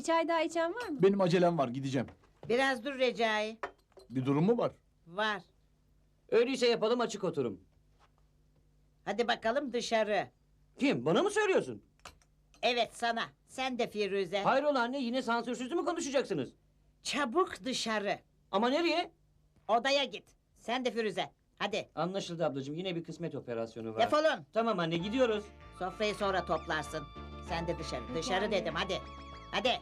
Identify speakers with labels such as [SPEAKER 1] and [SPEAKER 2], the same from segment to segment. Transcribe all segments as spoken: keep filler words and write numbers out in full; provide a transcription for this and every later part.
[SPEAKER 1] Bir çay daha içen var mı?
[SPEAKER 2] Benim acelem var, gideceğim.
[SPEAKER 3] Biraz dur Recai.
[SPEAKER 2] Bir durum mu var?
[SPEAKER 3] Var.
[SPEAKER 4] Öyleyse yapalım açık oturum.
[SPEAKER 3] Hadi bakalım dışarı.
[SPEAKER 4] Kim? Bana mı söylüyorsun?
[SPEAKER 3] Evet sana. Sen de Firuze.
[SPEAKER 4] Hayrola anne yine sansürsüz mü konuşacaksınız?
[SPEAKER 3] Çabuk dışarı.
[SPEAKER 4] Ama nereye?
[SPEAKER 3] Odaya git. Sen de Firuze. Hadi.
[SPEAKER 4] Anlaşıldı ablacığım yine bir kısmet operasyonu var.
[SPEAKER 3] Defolun.
[SPEAKER 4] Tamam anne gidiyoruz.
[SPEAKER 3] Sofrayı sonra toplarsın. Sen de dışarı.
[SPEAKER 1] Peki
[SPEAKER 3] Dışarı
[SPEAKER 1] anne.
[SPEAKER 3] dedim hadi. Hadi.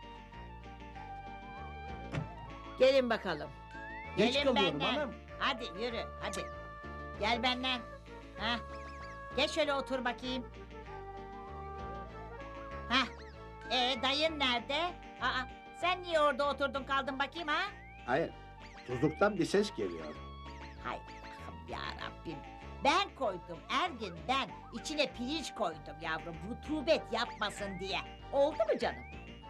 [SPEAKER 3] Gelin bakalım.
[SPEAKER 2] Geç
[SPEAKER 3] Gelin
[SPEAKER 2] kalıyorum
[SPEAKER 3] benden.
[SPEAKER 2] hanım.
[SPEAKER 3] Hadi yürü hadi. Gel benden. Ha. Gel şöyle otur bakayım. Ha. Ee dayın nerede? Aa, sen niye orada oturdun kaldın bakayım ha?
[SPEAKER 5] Hayır, tuzluktan bir ses geliyor.
[SPEAKER 3] Hay Allah'ım ya Rabbim. Ben koydum Ergin ben. İçine pirinç koydum yavrum. Rutubet yapmasın diye. Oldu mu canım?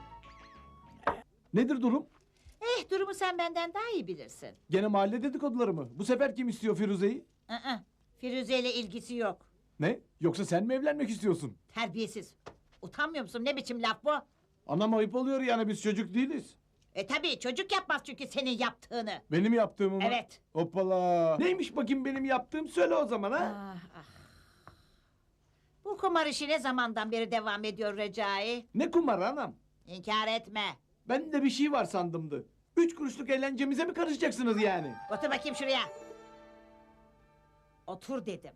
[SPEAKER 2] Nedir durum?
[SPEAKER 3] Eh durumu sen benden daha iyi bilirsin.
[SPEAKER 2] Gene mahalle dedikoduları mı? Bu sefer kim istiyor Firuze'yi?
[SPEAKER 3] Aa, Firuze ile ilgisi yok.
[SPEAKER 2] Ne? Yoksa sen mi evlenmek istiyorsun?
[SPEAKER 3] Terbiyesiz. Utanmıyor musun? Ne biçim laf bu?
[SPEAKER 2] Anam ayıp oluyor yani, biz çocuk değiliz.
[SPEAKER 3] E tabii çocuk yapmaz çünkü senin yaptığını.
[SPEAKER 2] Benim yaptığımı mı?
[SPEAKER 3] Evet.
[SPEAKER 2] Hoppala. Neymiş bakayım benim yaptığım, söyle o zaman ha.
[SPEAKER 3] Ah, ah. Bu kumar işi ne zamandan beri devam ediyor Recai?
[SPEAKER 2] Ne kumarı anam?
[SPEAKER 3] İnkar etme.
[SPEAKER 2] Ben de bir şey var sandımdı. Üç kuruşluk eğlencemize mi karışacaksınız yani?
[SPEAKER 3] Otur bakayım şuraya. Otur dedim.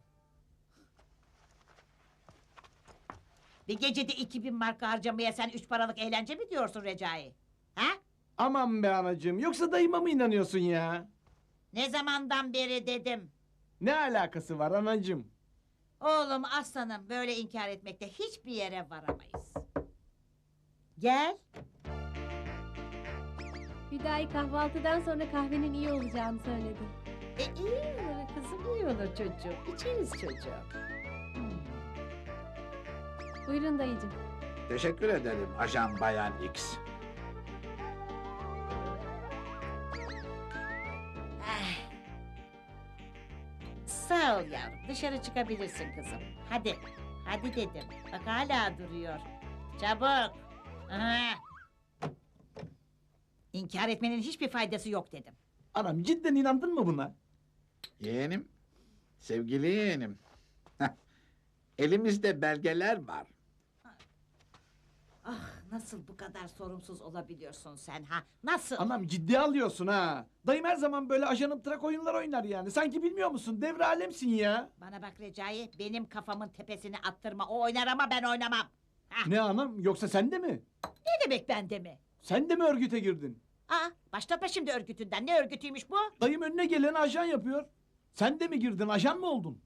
[SPEAKER 3] Bir gecede iki bin marka harcamaya sen üç paralık eğlence mi diyorsun Recai? Ha?
[SPEAKER 2] Aman be anacığım, yoksa dayıma mı inanıyorsun ya?
[SPEAKER 3] Ne zamandan beri dedim.
[SPEAKER 2] Ne alakası var anacığım?
[SPEAKER 3] Oğlum aslanım böyle inkar etmekte hiçbir yere varamayız. Gel.
[SPEAKER 1] Hüdayi kahvaltıdan sonra kahvenin iyi olacağını söyledi.
[SPEAKER 3] E iyi olur kızım iyi olur çocuğum. İçeriz çocuğum. Hmm.
[SPEAKER 1] Buyurun dayıcığım.
[SPEAKER 5] Teşekkür ederim Ajan Bayan X.
[SPEAKER 3] Ah. Sağ ol yavrum dışarı çıkabilirsin kızım. Hadi. Hadi dedim. Bak hala duruyor. Çabuk. Aha. İnkar etmenin hiçbir faydası yok dedim.
[SPEAKER 2] Anam cidden inandın mı buna?
[SPEAKER 5] Yeğenim, sevgili yeğenim. Elimizde belgeler var.
[SPEAKER 3] Ah nasıl bu kadar sorumsuz olabiliyorsun sen ha? Nasıl?
[SPEAKER 2] Anam ciddiye alıyorsun ha. Dayım her zaman böyle ajanım trak oyunlar oynar yani. Sanki bilmiyor musun? Devre alemsin ya.
[SPEAKER 3] Bana bak Recai benim kafamın tepesini attırma. O oynar ama ben oynamam. Ha,
[SPEAKER 2] Ne anam? Yoksa sen de mi?
[SPEAKER 3] ne demek bende mi?
[SPEAKER 2] Sen de mi örgüte girdin?
[SPEAKER 3] Aa başlatma şimdi örgütünden. Ne örgütüymüş bu?
[SPEAKER 2] Dayım önüne geleni ajan yapıyor. Sen de mi girdin? Ajan mı oldun?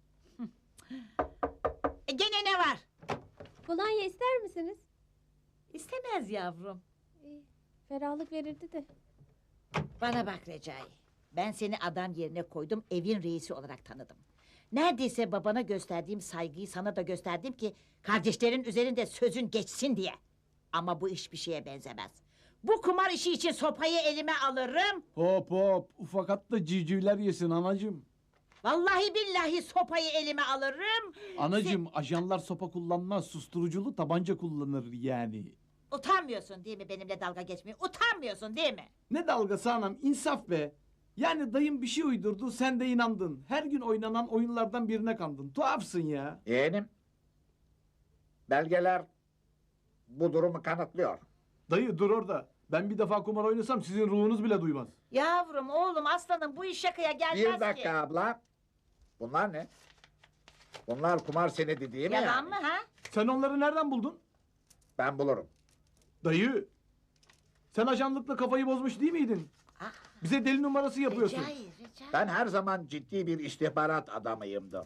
[SPEAKER 3] E, gene ne var?
[SPEAKER 1] Kolonya ister misiniz?
[SPEAKER 3] İstemez yavrum.
[SPEAKER 1] İyi, ferahlık verirdi de.
[SPEAKER 3] Bana bak Recai. Ben seni adam yerine koydum, evin reisi olarak tanıdım. Neredeyse babana gösterdiğim saygıyı sana da gösterdim ki... ...kardeşlerin üzerinde sözün geçsin diye. Ama bu iş bir şeye benzemez. Bu kumar işi için sopayı elime alırım...
[SPEAKER 2] Hop hop. Ufakat da civcivler yesin anacığım.
[SPEAKER 3] ...vallahi billahi sopayı elime alırım...
[SPEAKER 2] Anacığım ajanlar sopa kullanmaz. Susturuculu tabanca kullanır yani.
[SPEAKER 3] Utanmıyorsun değil mi benimle dalga geçmeye? Utanmıyorsun değil mi?
[SPEAKER 2] Ne dalgası anam, insaf be. Yani dayım bir şey uydurdu, sen de inandın. Her gün oynanan oyunlardan birine kandın. Tuhafsın ya.
[SPEAKER 5] Yeğenim, belgeler bu durumu kanıtlıyor.
[SPEAKER 2] Dayı dur orada. Ben bir defa kumar oynasam sizin ruhunuz bile duymaz.
[SPEAKER 3] Yavrum, oğlum, aslanım bu iş şakaya gelmez
[SPEAKER 5] Bir dakika
[SPEAKER 3] ki.
[SPEAKER 5] abla. Bunlar ne? Bunlar kumar senedi değil mi
[SPEAKER 3] Yalan
[SPEAKER 5] yani?
[SPEAKER 3] mı ha?
[SPEAKER 2] Sen onları nereden buldun?
[SPEAKER 5] Ben bulurum.
[SPEAKER 2] Dayı. Sen ajanlıkla kafayı bozmuş değil miydin?
[SPEAKER 3] Ah,
[SPEAKER 2] Bize deli numarası yapıyorsun.
[SPEAKER 3] Recai, Recai.
[SPEAKER 5] Ben her zaman ciddi bir istihbarat adamıyımdır.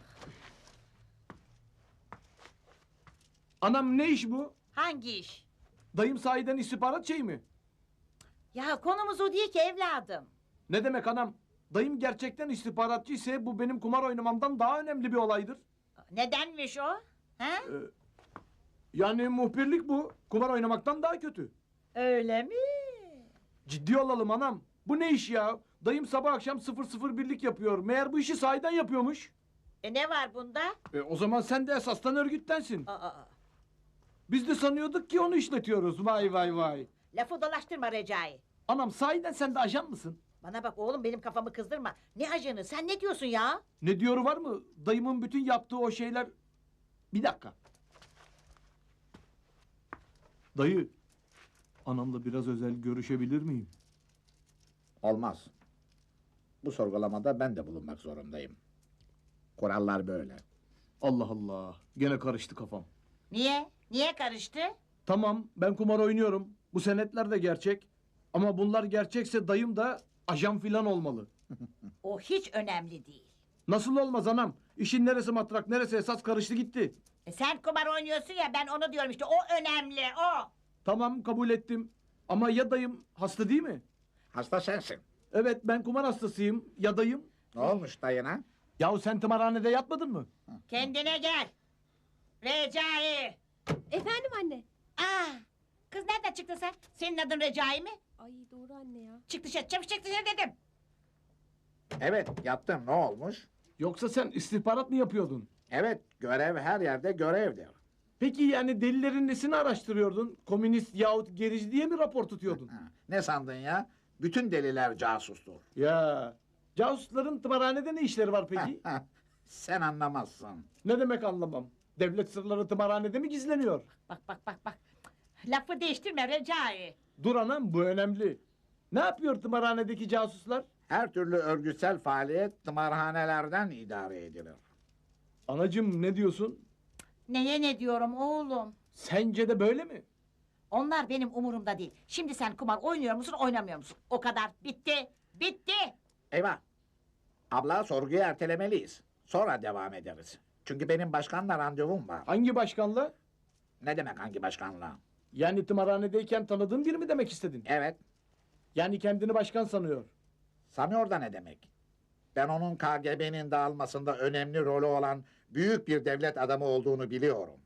[SPEAKER 2] Anam ne iş bu?
[SPEAKER 3] Hangi iş?
[SPEAKER 2] Dayım sahiden istihbarat şey mi?
[SPEAKER 3] Ya konumuz o değil ki evladım.
[SPEAKER 2] Ne demek anam? Dayım gerçekten istihbaratçı ise bu benim kumar oynamamdan daha önemli bir olaydır.
[SPEAKER 3] Nedenmiş o? Ha?
[SPEAKER 2] Ee, yani muhbirlik bu. Kumar oynamaktan daha kötü.
[SPEAKER 3] Öyle mi?
[SPEAKER 2] Ciddi olalım anam. Bu ne iş ya? Dayım sabah akşam sıfır sıfır birlik yapıyor. Meğer bu işi sahiden yapıyormuş.
[SPEAKER 3] E ne var bunda?
[SPEAKER 2] E, o zaman sen de esastan örgüttensin.
[SPEAKER 3] Aa, aa.
[SPEAKER 2] Biz de sanıyorduk ki onu işletiyoruz. Vay vay vay.
[SPEAKER 3] Lafı dolaştırma Recai.
[SPEAKER 2] Anam sahiden sen de ajan mısın?
[SPEAKER 3] Bana bak oğlum benim kafamı kızdırma. Ne ajanı sen ne diyorsun ya?
[SPEAKER 2] Ne diyoru var mı? Dayımın bütün yaptığı o şeyler... Bir dakika. Dayı, anamla biraz özel görüşebilir miyim?
[SPEAKER 5] Olmaz. Bu sorgulamada ben de bulunmak zorundayım. Kurallar böyle.
[SPEAKER 2] Allah Allah, gene karıştı kafam.
[SPEAKER 3] Niye? Niye karıştı?
[SPEAKER 2] Tamam, ben kumar oynuyorum. Bu senetler de gerçek. Ama bunlar gerçekse dayım da ajan filan olmalı.
[SPEAKER 3] O hiç önemli değil.
[SPEAKER 2] Nasıl olmaz anam? İşin neresi matrak, neresi esas karıştı gitti.
[SPEAKER 3] E sen kumar oynuyorsun ya ben onu diyorum işte o önemli o.
[SPEAKER 2] Tamam, kabul ettim. Ama ya dayım hasta değil mi?
[SPEAKER 5] Hasta sensin.
[SPEAKER 2] Evet, ben kumar hastasıyım. Ya dayım?
[SPEAKER 5] Ne olmuş dayına?
[SPEAKER 2] Yahu sen tımarhanede yatmadın mı?
[SPEAKER 3] Kendine gel. Recai.
[SPEAKER 1] Efendim anne.
[SPEAKER 3] Aa, kız nereden çıktın sen? Senin adın Recai mi?
[SPEAKER 1] Ay doğru anne ya.
[SPEAKER 3] Çık dışarı çabuk çık dışarı dedim.
[SPEAKER 5] Evet, yattım. Ne olmuş?
[SPEAKER 2] Yoksa sen istihbarat mı yapıyordun?
[SPEAKER 5] Evet, görev her yerde görevdir.
[SPEAKER 2] Peki yani delilerin nesini araştırıyordun? Komünist yahut gerici diye mi rapor tutuyordun?
[SPEAKER 5] Ha, ne sandın ya? Bütün deliler casustur.
[SPEAKER 2] Ya, casusların tımarhanede ne işleri var peki?
[SPEAKER 5] Sen anlamazsın.
[SPEAKER 2] Ne demek anlamam. Devlet sırları tımarhanede mi gizleniyor?
[SPEAKER 3] Bak bak bak bak. Lafı değiştirme Recai.
[SPEAKER 2] Dur anam, bu önemli. Ne yapıyor tımarhanedeki casuslar?
[SPEAKER 5] Her türlü örgütsel faaliyet tımarhanelerden idare edilir.
[SPEAKER 2] Anacım ne diyorsun?
[SPEAKER 3] Neye ne diyorum oğlum?
[SPEAKER 2] Sence de böyle mi?
[SPEAKER 3] Onlar benim umurumda değil. Şimdi sen kumar oynuyor musun oynamıyor musun? O kadar bitti. Bitti.
[SPEAKER 5] Eyvah! Abla sorguyu ertelemeliyiz. Sonra devam ederiz. Çünkü benim başkanla randevum var.
[SPEAKER 2] Hangi başkanla?
[SPEAKER 5] Ne demek hangi başkanla?
[SPEAKER 2] Yani tımarhanedeyken tanıdığın biri mi demek istedin?
[SPEAKER 5] Evet,
[SPEAKER 2] Yani kendini başkan sanıyor.
[SPEAKER 5] sanıyor da ne demek? Ben onun K G B'nin dağılmasında önemli rolü olan büyük bir devlet adamı olduğunu biliyorum.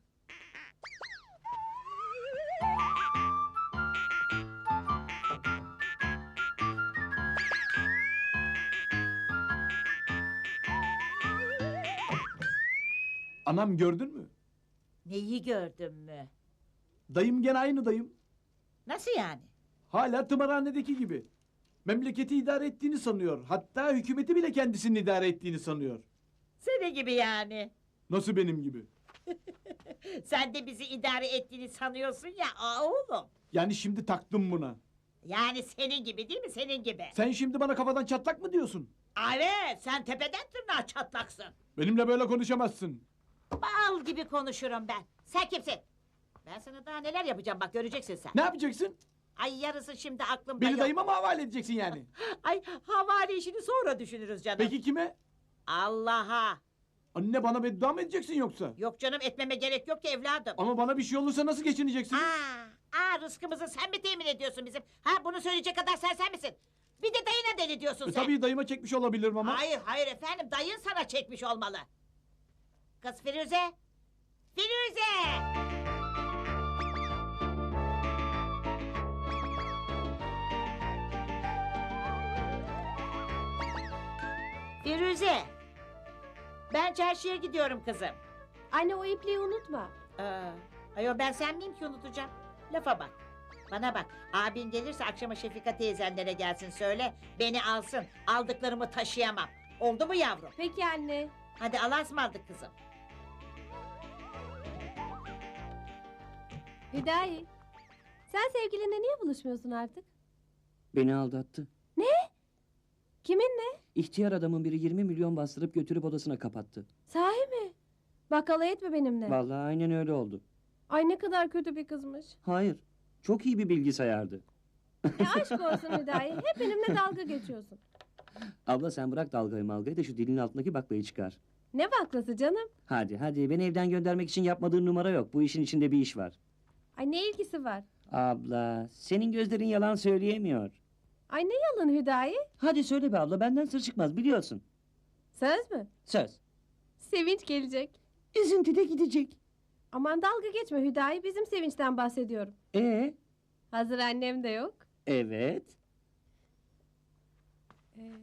[SPEAKER 2] Anam gördün mü?
[SPEAKER 3] Neyi gördün mü?
[SPEAKER 2] Dayım gene aynı dayım.
[SPEAKER 3] Nasıl yani?
[SPEAKER 2] Hala tımarhanedeki gibi. Memleketi idare ettiğini sanıyor. Hatta hükümeti bile kendisinin idare ettiğini sanıyor.
[SPEAKER 3] Seni gibi yani.
[SPEAKER 2] Nasıl benim gibi?
[SPEAKER 3] Sen de bizi idare ettiğini sanıyorsun ya aa, oğlum.
[SPEAKER 2] Yani şimdi taktım buna.
[SPEAKER 3] Yani senin gibi değil mi senin gibi?
[SPEAKER 2] Sen şimdi bana kafadan çatlak mı diyorsun?
[SPEAKER 3] Evet sen tepeden tırnağa çatlaksın.
[SPEAKER 2] Benimle böyle konuşamazsın.
[SPEAKER 3] Bal gibi konuşurum ben. Sen kimsin? Ben sana daha neler yapacağım bak göreceksin sen.
[SPEAKER 2] Ne yapacaksın?
[SPEAKER 3] Ay yarısı şimdi aklımda
[SPEAKER 2] Beni
[SPEAKER 3] yok.
[SPEAKER 2] dayıma mı havale edeceksin yani?
[SPEAKER 3] Ay havale işini sonra düşünürüz canım.
[SPEAKER 2] Peki kime?
[SPEAKER 3] Allah'a.
[SPEAKER 2] Anne bana beddua mı edeceksin yoksa?
[SPEAKER 3] Yok canım etmeme gerek yok ki evladım.
[SPEAKER 2] Ama bana bir şey olursa nasıl geçineceksin?
[SPEAKER 3] Aa, aa rızkımızı sen mi temin ediyorsun bizim? Ha bunu söyleyecek kadar sen sen misin? Bir de dayına deli diyorsun
[SPEAKER 2] E,
[SPEAKER 3] sen.
[SPEAKER 2] tabii dayıma çekmiş olabilirim ama.
[SPEAKER 3] Hayır hayır efendim dayın sana çekmiş olmalı. Kız Firuze. Firuze. Firuze. Ben çarşıya gidiyorum kızım.
[SPEAKER 1] Anne o ipliği unutma.
[SPEAKER 3] Aa, ayo ben sen miyim ki unutacağım? Lafa bak. Bana bak. Abin gelirse akşama Şefika teyzenlere gelsin söyle. Beni alsın. Aldıklarımı taşıyamam. Oldu mu yavrum?
[SPEAKER 1] Peki anne.
[SPEAKER 3] Hadi Allah'a ısmarladık kızım.
[SPEAKER 1] Hüdayi. Sen sevgilinle niye buluşmuyorsun artık?
[SPEAKER 4] Beni aldattı.
[SPEAKER 1] Kiminle?
[SPEAKER 4] İhtiyar adamın biri yirmi milyon bastırıp götürüp odasına kapattı.
[SPEAKER 1] Sahi mi? Bak alay etme benimle.
[SPEAKER 4] Vallahi aynen öyle oldu.
[SPEAKER 1] Ay ne kadar kötü bir kızmış.
[SPEAKER 4] Hayır. Çok iyi bir bilgisayardı.
[SPEAKER 1] E aşk olsun Hüdayi. Hep benimle dalga geçiyorsun.
[SPEAKER 4] Abla sen bırak dalgayı malgayı da şu dilin altındaki baklayı çıkar.
[SPEAKER 1] Ne baklası canım?
[SPEAKER 4] Hadi hadi beni evden göndermek için yapmadığın numara yok. Bu işin içinde bir iş var.
[SPEAKER 1] Ay ne ilgisi var?
[SPEAKER 4] Abla senin gözlerin yalan söyleyemiyor.
[SPEAKER 1] Ay ne yalan Hüdayi?
[SPEAKER 4] Hadi söyle be abla benden sır çıkmaz biliyorsun.
[SPEAKER 1] Söz mü?
[SPEAKER 4] Söz.
[SPEAKER 1] Sevinç gelecek.
[SPEAKER 4] Üzüntü de gidecek.
[SPEAKER 1] Aman dalga geçme Hüdayi. Bizim sevinçten bahsediyorum.
[SPEAKER 4] Ee?
[SPEAKER 1] Hazır annem de yok.
[SPEAKER 4] Evet.
[SPEAKER 1] Ee,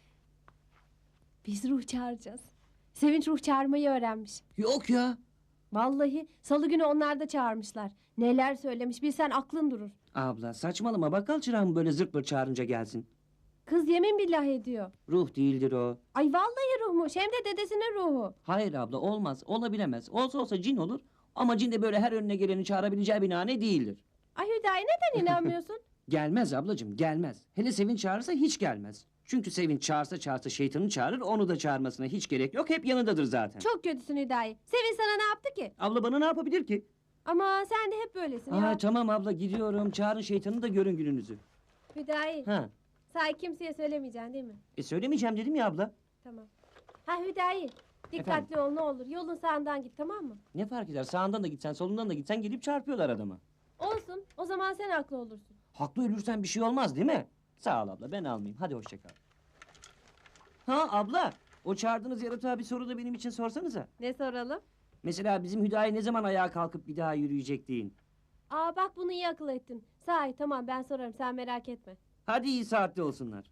[SPEAKER 1] biz ruh çağıracağız. Sevinç ruh çağırmayı öğrenmiş.
[SPEAKER 4] Yok ya.
[SPEAKER 1] Vallahi salı günü onlar da çağırmışlar. Neler söylemiş bilsen aklın durur.
[SPEAKER 4] Abla saçmalama, bakkal çırağı mı böyle zırt pırt çağırınca gelsin?
[SPEAKER 1] Kız yemin billah ediyor.
[SPEAKER 4] Ruh değildir o.
[SPEAKER 1] Ay vallahi ruhmuş hem de dedesinin ruhu.
[SPEAKER 4] Hayır abla, olmaz, olabilemez. Olsa olsa cin olur. Ama cin de böyle her önüne geleni çağırabileceği binane değildir.
[SPEAKER 1] Ay Hüdayi neden inanmıyorsun?
[SPEAKER 4] Gelmez ablacığım, gelmez. Hele Sevinç çağırırsa hiç gelmez. Çünkü Sevinç çağırsa çağırsa şeytanı çağırır, onu da çağırmasına hiç gerek yok. Hep yanındadır zaten.
[SPEAKER 1] Çok kötüsün Hüdayi. Sevin sana ne yaptı ki?
[SPEAKER 4] Abla bana ne yapabilir ki?
[SPEAKER 1] Ama sen de hep böylesin
[SPEAKER 4] Aa,
[SPEAKER 1] ya.
[SPEAKER 4] tamam abla, gidiyorum. Çağırın şeytanı da görün gününüzü.
[SPEAKER 1] Hüdayi
[SPEAKER 4] Ha.
[SPEAKER 1] sahi kimseye söylemeyeceksin değil mi?
[SPEAKER 4] E söylemeyeceğim dedim ya abla.
[SPEAKER 1] Tamam. Ha Hüdayi dikkatli
[SPEAKER 4] Efendim?
[SPEAKER 1] ol ne olur. Yolun sağından git tamam mı?
[SPEAKER 4] Ne fark eder? Sağından da gitsen, solundan da gitsen gelip çarpıyorlar adama.
[SPEAKER 1] Olsun o zaman sen haklı olursun.
[SPEAKER 4] Haklı ölürsen bir şey olmaz değil mi? Sağ ol abla, ben almayayım. Hadi hoşça kal. Ha abla, o çağırdığınız yaratığa bir soru da benim için sorsanıza.
[SPEAKER 1] Ne soralım?
[SPEAKER 4] Mesela bizim Hüdayi ne zaman ayağa kalkıp bir daha yürüyecek deyin.
[SPEAKER 1] Aa bak bunu iyi akıl ettin. Sahi tamam ben sorarım sen merak etme.
[SPEAKER 4] Hadi iyi saatte olsunlar.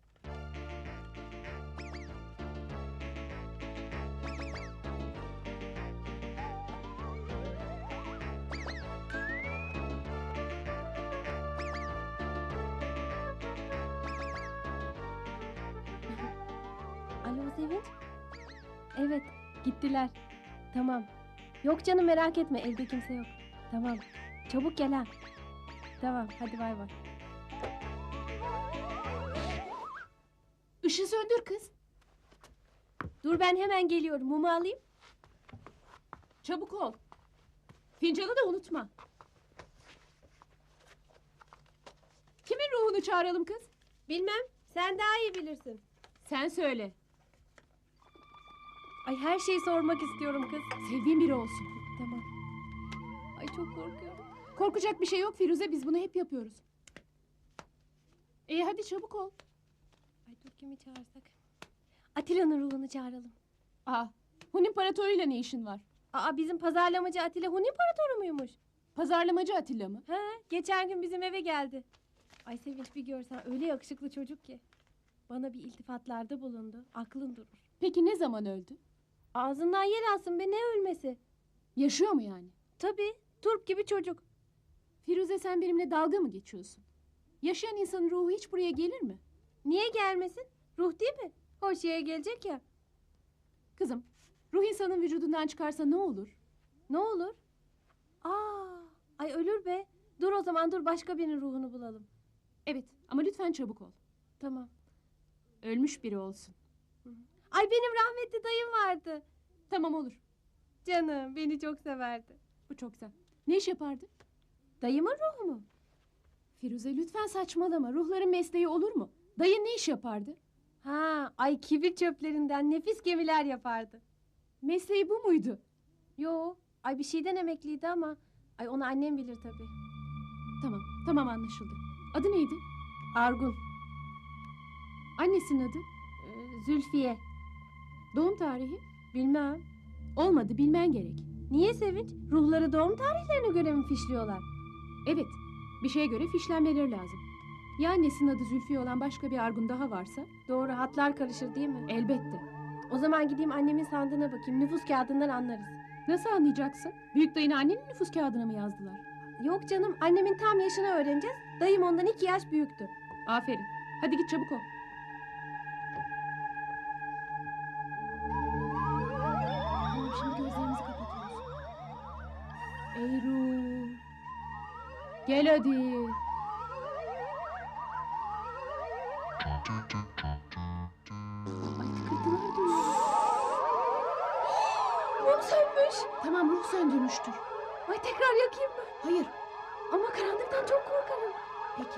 [SPEAKER 1] Alo Sevinç? Evet gittiler. Tamam. Yok canım merak etme evde kimse yok. Tamam. Çabuk gel ha. Tamam hadi bay bay.
[SPEAKER 6] Işığı söndür kız.
[SPEAKER 1] Dur ben hemen geliyorum. Mumu alayım.
[SPEAKER 6] Çabuk ol. Fincanı da unutma. Kimin ruhunu çağıralım kız?
[SPEAKER 1] Bilmem. Sen daha iyi bilirsin.
[SPEAKER 6] Sen söyle.
[SPEAKER 1] Ay her şeyi sormak istiyorum kız.
[SPEAKER 6] Sevdiğin biri olsun.
[SPEAKER 1] Tamam. Ay çok korkuyorum.
[SPEAKER 6] Korkacak bir şey yok Firuze, biz bunu hep yapıyoruz. İyi hadi çabuk ol.
[SPEAKER 1] Ay dur kimi çağırsak? Atilla'nın ruhunu çağıralım.
[SPEAKER 6] Aa, Hun İmparatoruyla ne işin var?
[SPEAKER 1] Aa bizim pazarlamacı Atilla Hun İmparatoru muymuş?
[SPEAKER 6] Pazarlamacı Atilla mı?
[SPEAKER 1] He geçen gün bizim eve geldi. Ay Sevinç bir görsen öyle yakışıklı çocuk ki. Bana bir iltifatlarda bulundu. Aklın durur.
[SPEAKER 6] Peki ne zaman öldü?
[SPEAKER 1] Ağzından yer alsın be ne ölmesi?
[SPEAKER 6] Yaşıyor mu yani?
[SPEAKER 1] Tabii turp gibi çocuk.
[SPEAKER 6] Firuze sen benimle dalga mı geçiyorsun? Yaşayan insanın ruhu hiç buraya gelir mi?
[SPEAKER 1] Niye gelmesin? Ruh değil mi? Hoş yere gelecek ya.
[SPEAKER 6] Kızım, ruh insanın vücudundan çıkarsa ne olur?
[SPEAKER 1] Ne olur? Aa, ay ölür be. Dur o zaman dur başka birinin ruhunu bulalım.
[SPEAKER 6] Evet ama lütfen çabuk ol.
[SPEAKER 1] Tamam.
[SPEAKER 6] Ölmüş biri olsun.
[SPEAKER 1] Ay benim rahmetli dayım vardı.
[SPEAKER 6] Tamam olur.
[SPEAKER 1] Canım beni çok severdi.
[SPEAKER 6] Bu çok güzel. Ne iş yapardı?
[SPEAKER 1] Dayımın ruhu mu?
[SPEAKER 6] Firuze lütfen saçmalama. Ruhların mesleği olur mu? Dayın ne iş yapardı?
[SPEAKER 1] Ha, ay kibir çöplerinden nefis gemiler yapardı.
[SPEAKER 6] Mesleği bu muydu?
[SPEAKER 1] Yo, ay bir şeyden emekliydi ama ay onu annem bilir tabii.
[SPEAKER 6] Tamam, tamam anlaşıldı. Adı neydi?
[SPEAKER 1] Argun,
[SPEAKER 6] Annesinin adı?
[SPEAKER 1] e, Zülfiye.
[SPEAKER 6] Doğum tarihi?
[SPEAKER 1] Bilmem.
[SPEAKER 6] Olmadı, bilmen gerek.
[SPEAKER 1] Niye Sevinç? Ruhları doğum tarihlerine göre mi fişliyorlar?
[SPEAKER 6] Evet, bir şeye göre fişlenmeleri lazım. Ya annesinin adı Zülfiye olan başka bir Argun daha varsa?
[SPEAKER 1] Doğru, hatlar karışır değil mi?
[SPEAKER 6] Elbette.
[SPEAKER 1] O zaman gideyim annemin sandığına bakayım. Nüfus kağıdından anlarız.
[SPEAKER 6] Nasıl anlayacaksın? Büyük dayını annenin nüfus kağıdına mı yazdılar?
[SPEAKER 1] Yok canım, annemin tam yaşını öğreneceğiz. Dayım ondan iki yaş büyüktü.
[SPEAKER 6] Aferin. Hadi git çabuk ol. Tamam, şimdi gözlerimizi kapatıyoruz. Ey ruh. Gel hadi. Ay tıkırtılar duyuyorum.
[SPEAKER 1] Mum sönmüş.
[SPEAKER 6] Tamam ruh söndürmüştür.
[SPEAKER 1] Ay tekrar yakayım mı?
[SPEAKER 6] Hayır.
[SPEAKER 1] Ama karanlıktan çok korkarım.
[SPEAKER 6] Peki.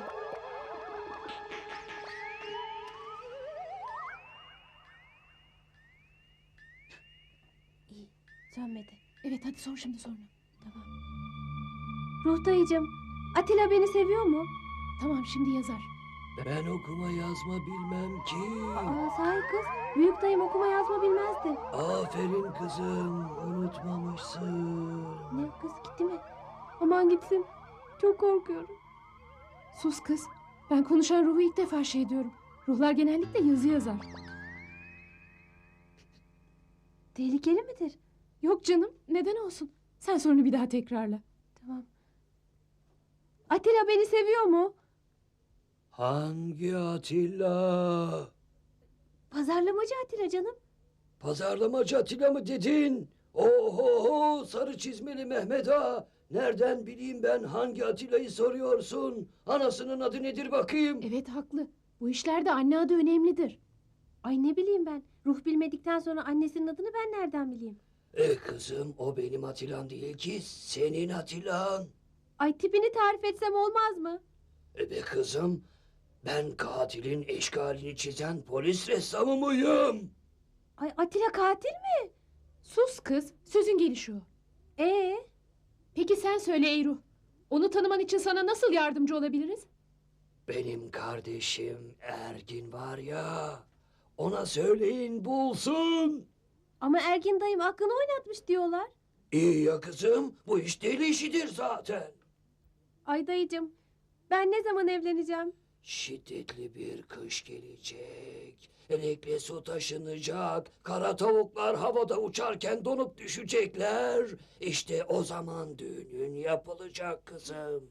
[SPEAKER 1] İyi, sönmedi.
[SPEAKER 6] Evet hadi sor şimdi sonra.
[SPEAKER 1] Tamam. Ruh dayıcım, Atilla beni seviyor mu?
[SPEAKER 6] Tamam şimdi yazar.
[SPEAKER 7] Ben okuma yazma bilmem ki.
[SPEAKER 1] Aa sahi kız, büyük dayım okuma yazma bilmezdi.
[SPEAKER 7] Aferin kızım, unutmamışsın.
[SPEAKER 1] Ne kız gitti mi? Aman gitsin. Çok korkuyorum.
[SPEAKER 6] Sus kız. Ben konuşan ruhu ilk defa şey diyorum. Ruhlar genellikle yazı yazar.
[SPEAKER 1] Tehlikeli midir?
[SPEAKER 6] Yok canım, neden olsun? Sen sorunu bir daha tekrarla.
[SPEAKER 1] Tamam. Atilla beni seviyor mu?
[SPEAKER 7] Hangi Atilla?
[SPEAKER 1] Pazarlamacı Atilla canım.
[SPEAKER 7] Pazarlamacı Atilla mı dedin? Oho, sarı çizmeli Mehmet Ağa. Nereden bileyim ben hangi Atilla'yı soruyorsun? Anasının adı nedir bakayım?
[SPEAKER 6] Evet haklı. Bu işlerde anne adı önemlidir.
[SPEAKER 1] Ay ne bileyim ben. Ruh bilmedikten sonra annesinin adını ben nereden bileyim?
[SPEAKER 7] E kızım, o benim Atilla'm değil ki, senin Atilla'n.
[SPEAKER 1] Ay tipini tarif etsem olmaz mı?
[SPEAKER 7] E be kızım, ben katilin eşkalini çizen polis ressamı mıyım?
[SPEAKER 1] Ay Atilla katil mi?
[SPEAKER 6] Sus kız, sözün gelişi o.
[SPEAKER 1] Ee,
[SPEAKER 6] Peki sen söyle Eyruh. Onu tanıman için sana nasıl yardımcı olabiliriz?
[SPEAKER 7] Benim kardeşim Ergin var ya, ona söyleyin bulsun.
[SPEAKER 1] ama Ergin dayım aklını oynatmış diyorlar.
[SPEAKER 7] İyi ya kızım, bu iş deli işidir zaten.
[SPEAKER 1] Ay dayıcım, ben ne zaman evleneceğim?
[SPEAKER 7] Şiddetli bir kış gelecek. Elekle su taşınacak. Kara tavuklar havada uçarken donup düşecekler. İşte o zaman düğünün yapılacak kızım.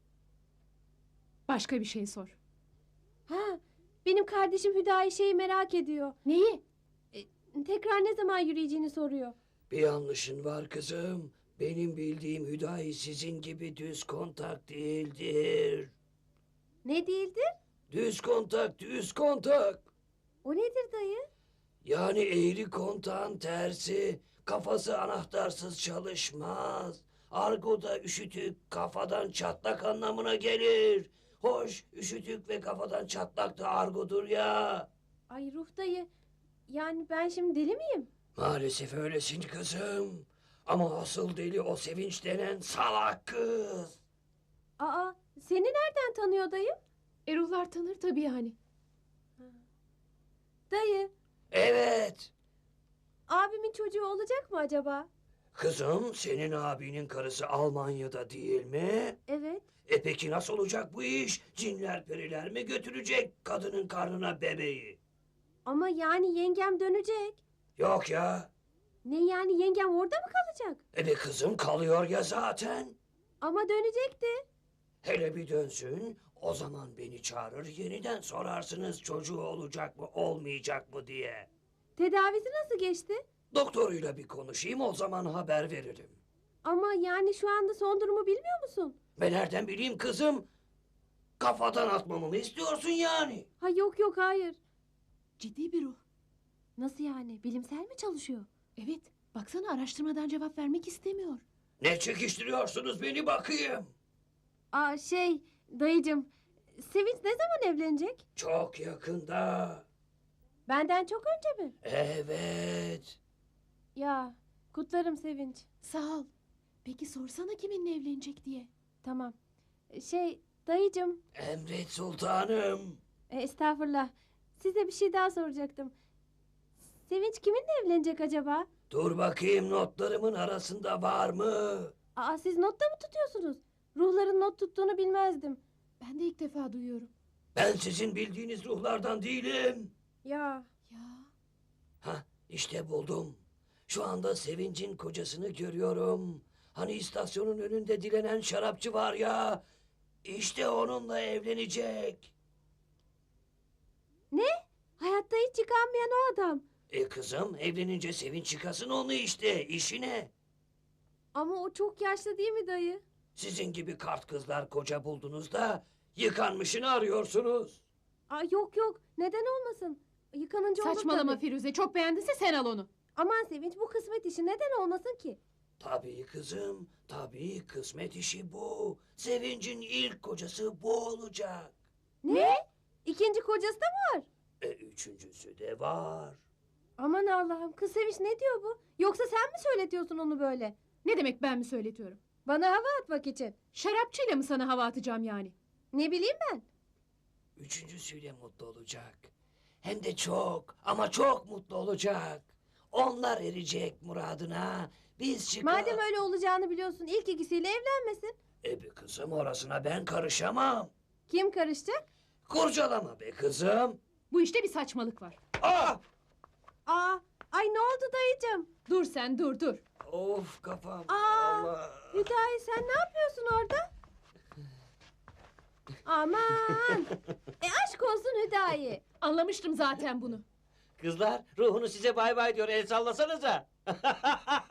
[SPEAKER 6] Başka bir şey sor.
[SPEAKER 1] Ha, benim kardeşim Hüdayi şeyi merak ediyor.
[SPEAKER 6] Neyi?
[SPEAKER 1] Tekrar ne zaman yürüyeceğini soruyor.
[SPEAKER 7] Bir yanlışın var kızım. Benim bildiğim Hüdayi sizin gibi düz kontak değildir.
[SPEAKER 1] Ne değildir?
[SPEAKER 7] Düz kontak, düz kontak.
[SPEAKER 1] O nedir dayı?
[SPEAKER 7] Yani eğri kontağın tersi. Kafası anahtarsız çalışmaz. Argoda üşütük kafadan çatlak anlamına gelir. Hoş, üşütük ve kafadan çatlak da argodur ya.
[SPEAKER 1] Ay Ruh dayı, yani ben şimdi deli miyim?
[SPEAKER 7] Maalesef öylesin kızım. Ama asıl deli o Sevinç denen salak kız.
[SPEAKER 1] Aa, seni nereden tanıyor dayım?
[SPEAKER 6] Eruhlar tanır tabii yani.
[SPEAKER 1] Dayı,
[SPEAKER 7] Evet.
[SPEAKER 1] abimin çocuğu olacak mı acaba?
[SPEAKER 7] Kızım, senin abinin karısı Almanya'da değil mi?
[SPEAKER 1] Evet.
[SPEAKER 7] E peki nasıl olacak bu iş? Cinler periler mi götürecek kadının karnına bebeği?
[SPEAKER 1] Ama yani yengem dönecek.
[SPEAKER 7] Yok ya.
[SPEAKER 1] Ne yani yengem orada mı kalacak?
[SPEAKER 7] E be kızım, kalıyor ya zaten.
[SPEAKER 1] Ama dönecekti.
[SPEAKER 7] Hele bir dönsün, o zaman beni çağırır, yeniden sorarsınız çocuğu olacak mı olmayacak mı diye.
[SPEAKER 1] Tedavisi nasıl geçti?
[SPEAKER 7] Doktoruyla bir konuşayım, o zaman haber veririm.
[SPEAKER 1] Ama yani şu anda son durumu bilmiyor musun?
[SPEAKER 7] Ben nereden bileyim kızım? Kafadan atmamı mı istiyorsun yani?
[SPEAKER 1] Ha yok yok hayır.
[SPEAKER 6] Ciddi bir ruh.
[SPEAKER 1] Nasıl yani? Bilimsel mi çalışıyor?
[SPEAKER 6] Evet, baksana araştırmadan cevap vermek istemiyor.
[SPEAKER 7] Ne çekiştiriyorsunuz beni bakayım?
[SPEAKER 1] Aa şey dayıcım, Sevinç ne zaman evlenecek?
[SPEAKER 7] Çok yakında.
[SPEAKER 1] Benden çok önce mi?
[SPEAKER 7] Evet.
[SPEAKER 1] Ya kutlarım Sevinç.
[SPEAKER 6] Sağ ol. Peki sorsana kiminle evlenecek diye.
[SPEAKER 1] Tamam. Şey dayıcım,
[SPEAKER 7] Emret sultanım.
[SPEAKER 1] e, estağfurullah. Size bir şey daha soracaktım. Sevinç kiminle evlenecek acaba?
[SPEAKER 7] Dur bakayım, notlarımın arasında var mı?
[SPEAKER 1] Aa siz notta mı tutuyorsunuz? Ruhların not tuttuğunu bilmezdim.
[SPEAKER 6] Ben de ilk defa duyuyorum.
[SPEAKER 7] Ben sizin bildiğiniz ruhlardan değilim.
[SPEAKER 1] Ya
[SPEAKER 6] Ya,
[SPEAKER 7] Hah, işte buldum. Şu anda Sevinç'in kocasını görüyorum. Hani istasyonun önünde dilenen şarapçı var ya. İşte onunla evlenecek.
[SPEAKER 1] ne? Hayatta hiç yıkanmayan o adam.
[SPEAKER 7] E kızım, evlenince Sevinç yıkasın onu işte, işi ne?
[SPEAKER 1] Ama o çok yaşlı değil mi dayı?
[SPEAKER 7] Sizin gibi kart kızlar koca buldunuz da yıkanmışını arıyorsunuz.
[SPEAKER 1] Aa yok yok, neden olmasın? Yıkanınca olur
[SPEAKER 6] saçmalama
[SPEAKER 1] tabii.
[SPEAKER 6] Firuze, çok beğendinse sen al onu.
[SPEAKER 1] Aman Sevinç, bu kısmet işi neden olmasın ki?
[SPEAKER 7] Tabii kızım, tabii kısmet işi bu. Sevinç'in ilk kocası bu olacak.
[SPEAKER 1] Ne? İkinci kocası da mı var?
[SPEAKER 7] E üçüncüsü de var.
[SPEAKER 1] Aman Allah'ım, kız Sevinç ne diyor bu? Yoksa sen mi söyletiyorsun onu böyle?
[SPEAKER 6] Ne demek ben mi söyletiyorum?
[SPEAKER 1] Bana hava atmak için.
[SPEAKER 6] Şarapçıyla mı sana hava atacağım yani?
[SPEAKER 1] Ne bileyim ben?
[SPEAKER 7] Üçüncüsüyle mutlu olacak. Hem de çok ama çok mutlu olacak. Onlar erecek muradına. Biz çıkar...
[SPEAKER 1] Madem öyle olacağını biliyorsun, ilk ikisiyle evlenmesin.
[SPEAKER 7] E be kızım, orasına ben karışamam.
[SPEAKER 1] Kim karışacak?
[SPEAKER 7] Kurcalama be kızım.
[SPEAKER 6] Bu işte bir saçmalık var.
[SPEAKER 7] Ah!
[SPEAKER 1] Aa, ay ne oldu dayıcım?
[SPEAKER 6] Dur sen dur dur.
[SPEAKER 7] Of kafam.
[SPEAKER 1] Aa,
[SPEAKER 7] Allah.
[SPEAKER 1] Hüdayi sen ne yapıyorsun orada? Aman! E aşk olsun Hüdayi.
[SPEAKER 6] Anlamıştım zaten bunu.
[SPEAKER 7] Kızlar ruhunu size bay bay diyor. El sallasanıza.